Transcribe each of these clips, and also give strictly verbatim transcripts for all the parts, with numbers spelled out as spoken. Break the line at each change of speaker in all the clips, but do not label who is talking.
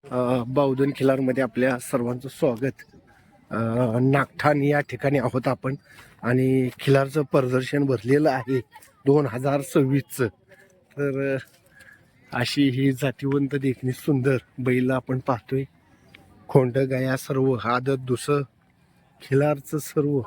बावधन खिलारमध्ये आपल्या सर्वांचं स्वागत. नागठाण या ठिकाणी आहोत आपण आणि खिलारचं प्रदर्शन भरलेलं आहे दोन हजार सव्वीसचं. तर अशी ही जातीवंत देखणी सुंदर बैल आपण पाहतोय. खोंड गाया सर्व, आदत दुसं खिलारचं सर्व.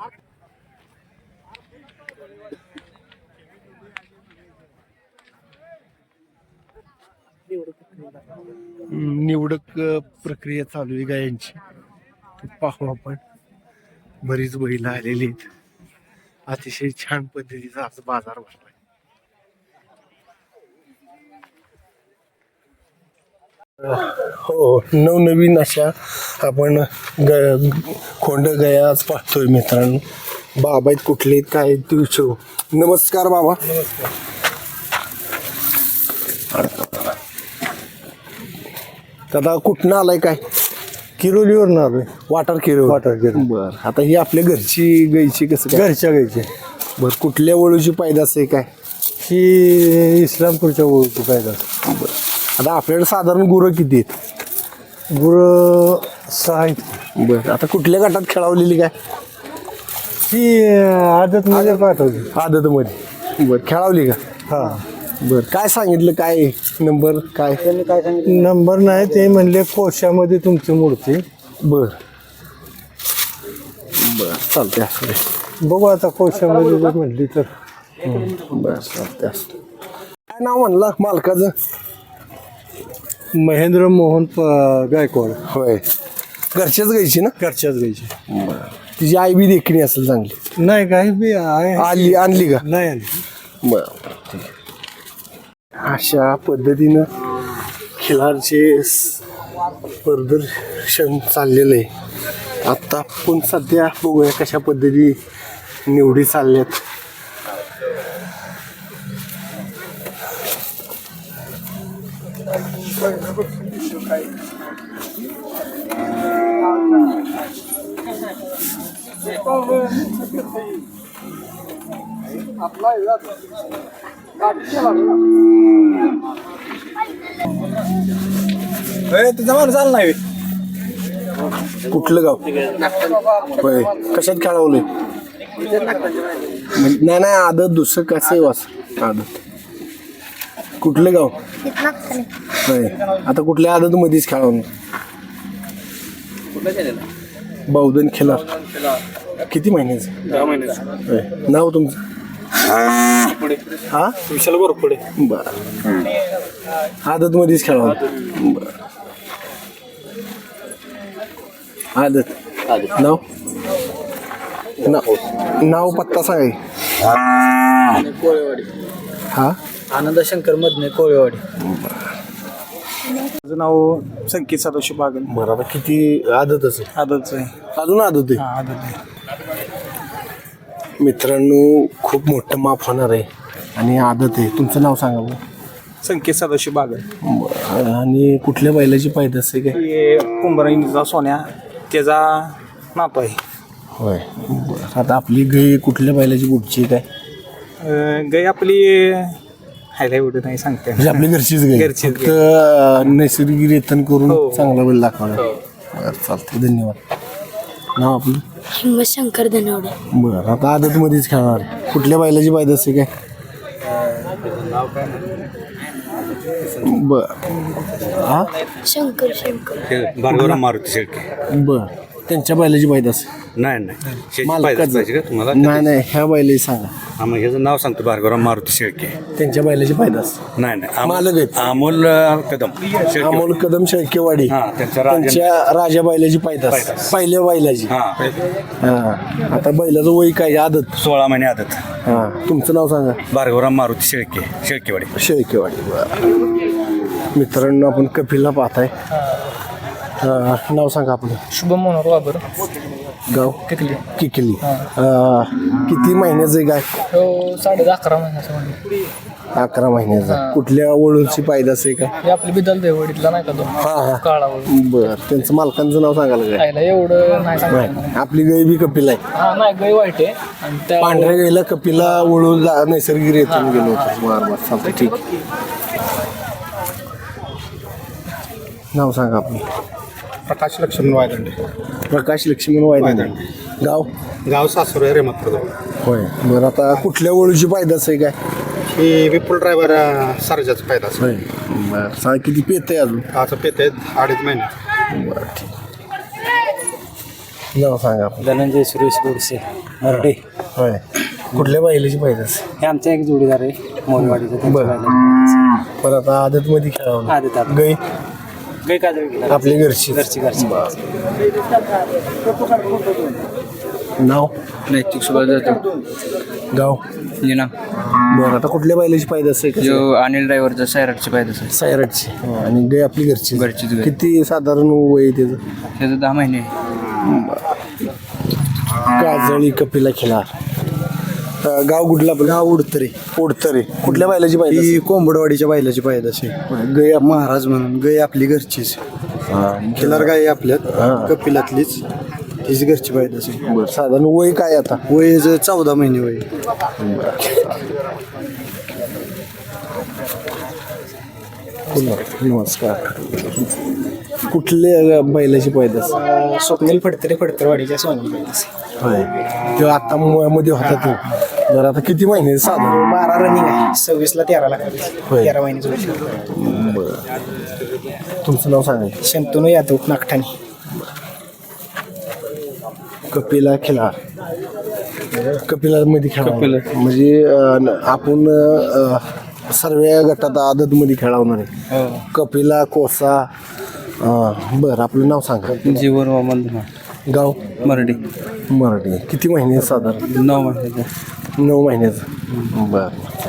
निवडक प्रक्रिया चालू आहे गायांची. पाहू आपण. बरीच बैल आलेली आहेत. अतिशय छान पद्धतीचा आज बाजार भरलाय. हो, नवनवीन अशा आपण ग खोंड गया आज पाहतोय मित्रांनो. बाबा आहेत कुठले काय आहेत ते विचारू. नमस्कार बाबा. दादा कुठनं आलाय काय?
किरोलीवरून आलोय.
वाटर किरो.
वाटर किरो.
बर, आता ही आपल्या घरची गायची कसं काय?
घरच्या गायचे.
बर, कुठल्या वळूची पैदास आहे काय?
ही इस्लामपूरच्या ओळखी पाहिजे.
बर, आता आपल्याकडे साधारण गुरं किती आहेत?
गुरं सहा आहेत.
बर, आता कुठल्या गटात खेळवलेली काय?
ही आदत मध्ये पाठवली.
आदत मध्ये. बर, खेळवली का?
हा.
बर, काय सांगितलं? काय नंबर काय?
त्यांनी काय सांगितलं? नंबर नाही, ते म्हणले कोशामध्ये तुमची मूर्ती.
बर बर, चालते असू दे.
बघू आता कोशामध्ये जर म्हणली तर.
बर, चालते असू. काय नाव म्हणला मालकाचं?
महेंद्र मोहन प- गायकवाड.
होय, घरच्याच गायची ना?
घरच्याच गायची.
बर, तिची आई बी देखणी असेल चांगली?
नाही काही बी आहे.
आली आणली का?
नाही आली.
बर, ठीक आहे. अशा पद्धतीनं खिलारचे प्रदर्शन चाललेलं आहे. आत्ता आपण सध्या बघूया कशा पद्धती निवडी चालल्यात.
तुझा माणूस आला नाही.
कुठलं गाव? होय, कशात खेळवलंय? नाही नाही, आदत दुसरं कसं आहे वास? आदत कुठलं गाव? होय, आता कुठल्या आदत मध्येच खेळवलं? बावधन खिलार. किती महिन्याचं?
दहा महिन्याचं.
होय, नाव तुमचं? हा,
विशाल बरोबर पुढे.
बरं, आदत मध्येच खेळवलं. बरं, आदत. नाव नाव नाव पत्ता सांगाय.
कोळेवाडी.
हा,
आनंद शंकर मधने कोळेवाडी. माझं नाव संकेत सदाशिव बागल.
बरं, आता किती आदत असेल?
आदतच आहे.
अजून आदत आहे?
हा आदत आहे.
मित्रांनो, खूप मोठं माप होणार आहे आणि आदत आहे. तुमचं नाव सांगा बरं.
संकेत सदाशिव बागल.
बरं, आणि कुठल्या बैलाची पैदास आहे काय?
हे कुंभाराईचा सोन्या त्याचा नातो आहे.
होय, बरं. आता आपली गाय कुठल्या बैलाची कुठची काय?
अं, गाय आपली हायला एवढं नाही सांगते.
म्हणजे आपली घरचीच गाय?
घरचीच
फक्त नैसर्गिक रेतन करून
हो.
चांगला बैल दाखवणार. बरं, चालतंय, धन्यवाद. नाव आपलं?
हिंमतशंकर धनवडे.
बरं, आता आदत मध्येच खेळणार. कुठल्या बैलाची पैदास आहे काय? बर, हा,
शंकर शंकर
भार्गवराव मारुती शेळके.
बर, त्यांच्या बैलाची पैदास?
नाही नाही शेती
मालकाचं?
पाहिजे पाहिजे का तुम्हाला?
नाही नाही, ह्या बैलाची सांगा.
हा, मग ह्याचं नाव सांगतो, भार्गवराव मारुती शेळके.
त्यांच्या बैलाची पैदास?
नाही नाही अमोल-
मालक आहेत?
अमोल अ, कदम शेळके.
अमोल कदम शेळकेवाडी.
हा, त्यांच्या राजा-
त्यांच्या राजा बैलाची पैदास?
पैदास.
पहिल्या बैलाची.
हा,
हा, आता बैलाचं वय काय? आदत?
सोळा महिने आदत.
हा, तुमचं नाव सांगा.
भार्गवराव मारुती शेळके, शेळकेवाडी.
शेळकेवाडी. बरं, मित्रांनो, आपण कपिलला पाहताय. हा, नाव सांगा आपलं.
शुभम मनोहर बाबर.
गाव?
किकली.
किकली. अं, किती महिन्याचं आहे गाय?
हो, साडे अकरा महिन्याचं म्हणजे.
अकरा महिन्याचा. कुठल्या वळूची पैदास आहे का?
हे आपली बिदल देवडीतला नाही का तो
हा हा,
काळावळ.
बर, त्यांचं मालकांचं नाव सांगाल काय?
खायला एवढं नाही सांगत.
नाही, आपली गाय बी कपिल आहे.
हा नाही गाय वाईट आहे आणि त्या
पांढऱ्या गायला कपिला वळून जा- नैसर्गिक रेतून गेलो होतो. बरं बरं, चालतं, ठीक. नाव सांगा आपलं.
प्रकाश लक्ष्मण वायदंडे.
प्रकाश लक्ष्मण वायदे. गाव
गाव सासुर आहे रेमतपूर.
होय. बरं आता कुठल्या ओळीची पायदास आहे काय?
ही विपुल ड्रायव्हर सर्जाचा फायदा असतो.
होय. बरं सांग किती पेत आहे अजून?
आता पेत आहेत अडीच महिने.
बरं ठीक. नाव सांगा आपलं.
धनंजय सुरेश गोडसे मराठे.
होय. कुठल्या बैलाची पायदास?
हे आमच्या एक जोडीदार आहे मोरवाडीचं.
बरं. पण आता आदतमध्ये खेळावं.
आदत आदत.
गई
गै काजळ
आपली घरची.
घरची घरची.
नाव
नैतिक सुभाष जातो
गाव
जिना
बरं आता कुठल्या बैलाची पायदास आहे?
जो अनिल ड्रायव्हरचा सैराटची पाहिजे सर
सायराटची. आणि गाय आपली घरची.
घरचीच गाय.
किती साधारण वय आहे त्याचं?
त्याचं दहा महिने
काजळी कपिला खिलार. अं, गाव कुठला आपलं? गाव उडतरे. उडतरे. कुठल्या बैलाची पायदास?
ही कोंबडवाडीच्या बैलाची पायदाशी
गय आप-
महाराज म्हणून गाय आपली घरचीच. खिलार गाय आपल्यात कपिलातलीच तीच घरची पायदाशी.
बरं साधारण वय काय आता?
वय ज- चौदा महिने वय.
नमस्कार. कुठल्या बैलाची पायदास?
स्वप्नील फडतरे फडतरवाडीच्या सोनी.
होय. तेव्हा आता मुळामध्ये होता तो. बरं आता किती महिने साधारण?
बारा रनिंग आहे. सव्वीसला तेरा लागतात.
होय.
तेरा महिन्याचं वर्ष.
तुमचं नाव सांगा.
शंतनू यादव नागठाणे.
कपिला खिलार. कपिला मध्ये खेळा म्हणजे अं, आपण अं, सर्व गटात आदत मध्ये खेळवणार आहे. कपिला कोसा. अं, बरं आपलं नाव सांगा.
जीवन वामन धुमा
गाव
मराठी
मराठी. किती महिने साधारण?
नऊ महिन्याचा
नऊ महिन्याचं. बरं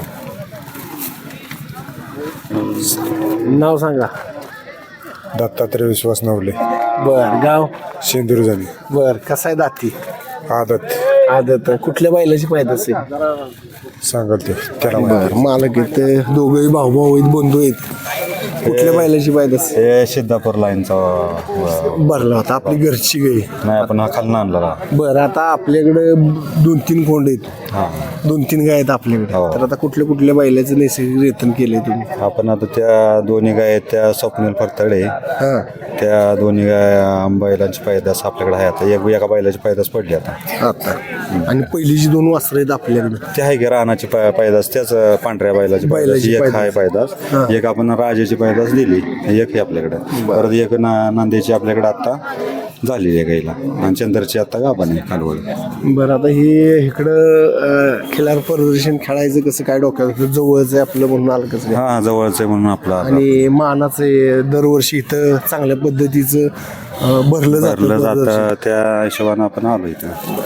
नाव सांगा.
दत्तात्रय विश्वास नवले.
बर गाव
शेंदूर झाली.
बर कसा आहे दाती?
आदत
आदत. कुठल्या बैलाची पाहिजे असेल?
सांगल ते त्याला
बर मालक आहेत दोघेही भाऊ भाऊ आहेत बंधू आहेत. कुठल्या बैलाची पाहिजे असेल?
हे सिद्धापूर लाईनचा
भरला होता आपली घरची गाई.
नाही आपण हा खालना आणला.
बरं आता आपल्याकडे दोन तीन कोंड आहेत.
हां
दोन तीन गाय आहेत आपल्याकडे.
हो.
तर आता कुठल्या कुठल्या बैलाचं नैसर्गिक रेतन केलंय तुम्ही?
आपण आता त्या दोन्ही गाय आहेत त्या स्वप्नील फरतडे
हां
त्या दोन्ही गाय बैलांची पैदास आपल्याकडे आहे. आता एक एका बैलाची पैदास पडली आता.
आता आणि पहिलीची दोन वासरं आहेत आपल्याकडे.
ते आहे की रानाची पा- पैदास त्याच पांढऱ्या बैलाची पैदास
बैलाची
एक
पैदास.
आहे पैदास. एक आपण राजाची पैदास दिली एक आहे आपल्याकडे. परत एक ना नांदेची आपल्याकडे आता झालेली आहे गाईला आणि चंद्रची आता गाभण आहे कालवड.
बरं आता हे इकडं अं, खिलार प्रदर्शन खेळायचं कसं काय डोक्यात जवळच आहे आपलं म्हणून आलं कसं काय?
हा जवळच आहे म्हणून आपला
आणि मानाचं आहे, दरवर्षी इथं चांगल्या पद्धतीचं अं, भरलं जातं
भरलं
प्रदर्शन.
जातं त्या हिशोबानं आपण आलो इथं.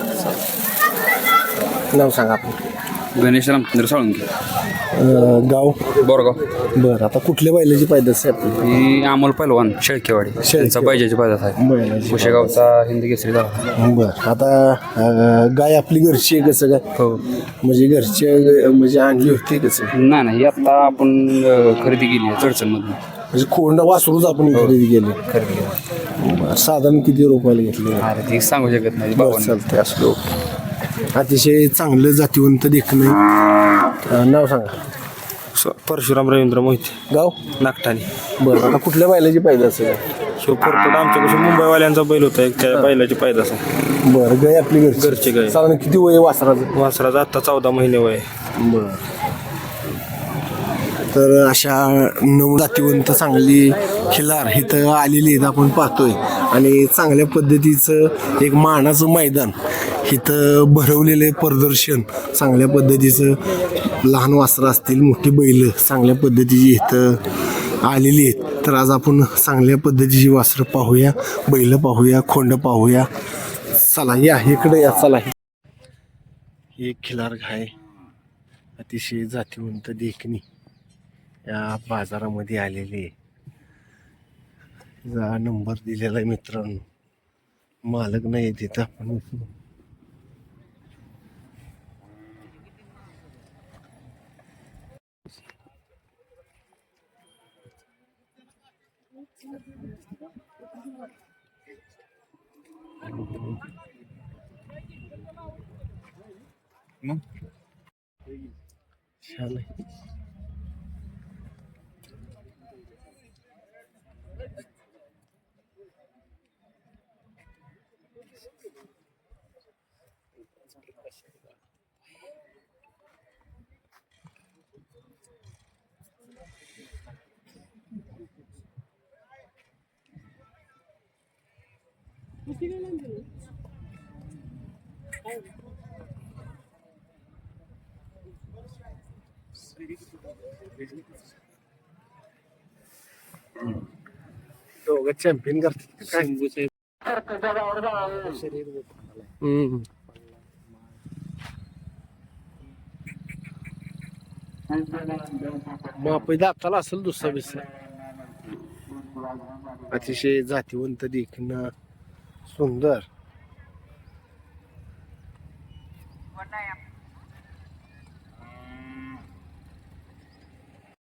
नाव सांगा आपलं.
गणेश रामचंद्र साळुंके
अं, गाव
बोरगाव.
बरं आता कुठल्या बैलाची पायदास आहे आपली?
ही अमोल पैलवान शेळकेवाडी त्यांचा पाहिजेची पाहिजे आहे.
बैलाची.
कुशेगावचा हिंदी केसरी झाला.
बरं आता अं, गाय आपली घरची आहे कसं काय?
हो
म्हणजे घरची म्हणजे आणली होती कसं?
नाही नाही आता आपण अं, खरेदी केली आहे चडचणमधून.
म्हणजे कोंडा वासरूच आपण खरेदी केली.
खरेदी केली.
बरं साधारण किती रुपयाला घेतले?
अरे ती सांगू शकत नाही
बरं
बाबा.
चालतंय असलो. अतिशय चांगलं जातीवंत देखणं आहे. अं, नाव सांगा.
परशुराम रवींद्र मोहिते
गाव
नागठाणे.
बरं आता कुठल्या बैलाची पाहिजे असेल?
शिव परपट आमच्यापासून मुंबईवाल्यांचा बैल होता एक त्या बैलाची पायदास आहे.
बरं गाय आपली घरची.
घरची गाय.
साधारण किती वय आहे वासराचं?
वासराचा आत्ता चौदा महिने वय.
बरं तर अशा नऊ जातीवंत चांगली खिलार इथं आलेली आहेत आपण पाहतोय. आणि चांगल्या पद्धतीचं एक मानाचं मैदान इथं भरवलेलं प्रदर्शन चांगल्या पद्धतीचं. लहान वासरं असतील मोठी बैल चांगल्या पद्धतीची इथं आलेली आहेत. तर आज आपण चांगल्या पद्धतीची वासरं पाहूया, बैल पाहूया, खोंड पाहूया. चला या इकडे या. चला ही एक खिलार गाय अतिशय जातीवंत देखणी या बाजारामध्ये आलेली आहे. जा नंबर दिलेला आहे मित्रांनो. मालक नाही तिथं आपण छान आहे. दोघं चॅम्पियन करतात का काय? हम्म. मापी दाताला असेल दुसरा बिस्सा. अतिशय जातीवंत देखणं सुंदर.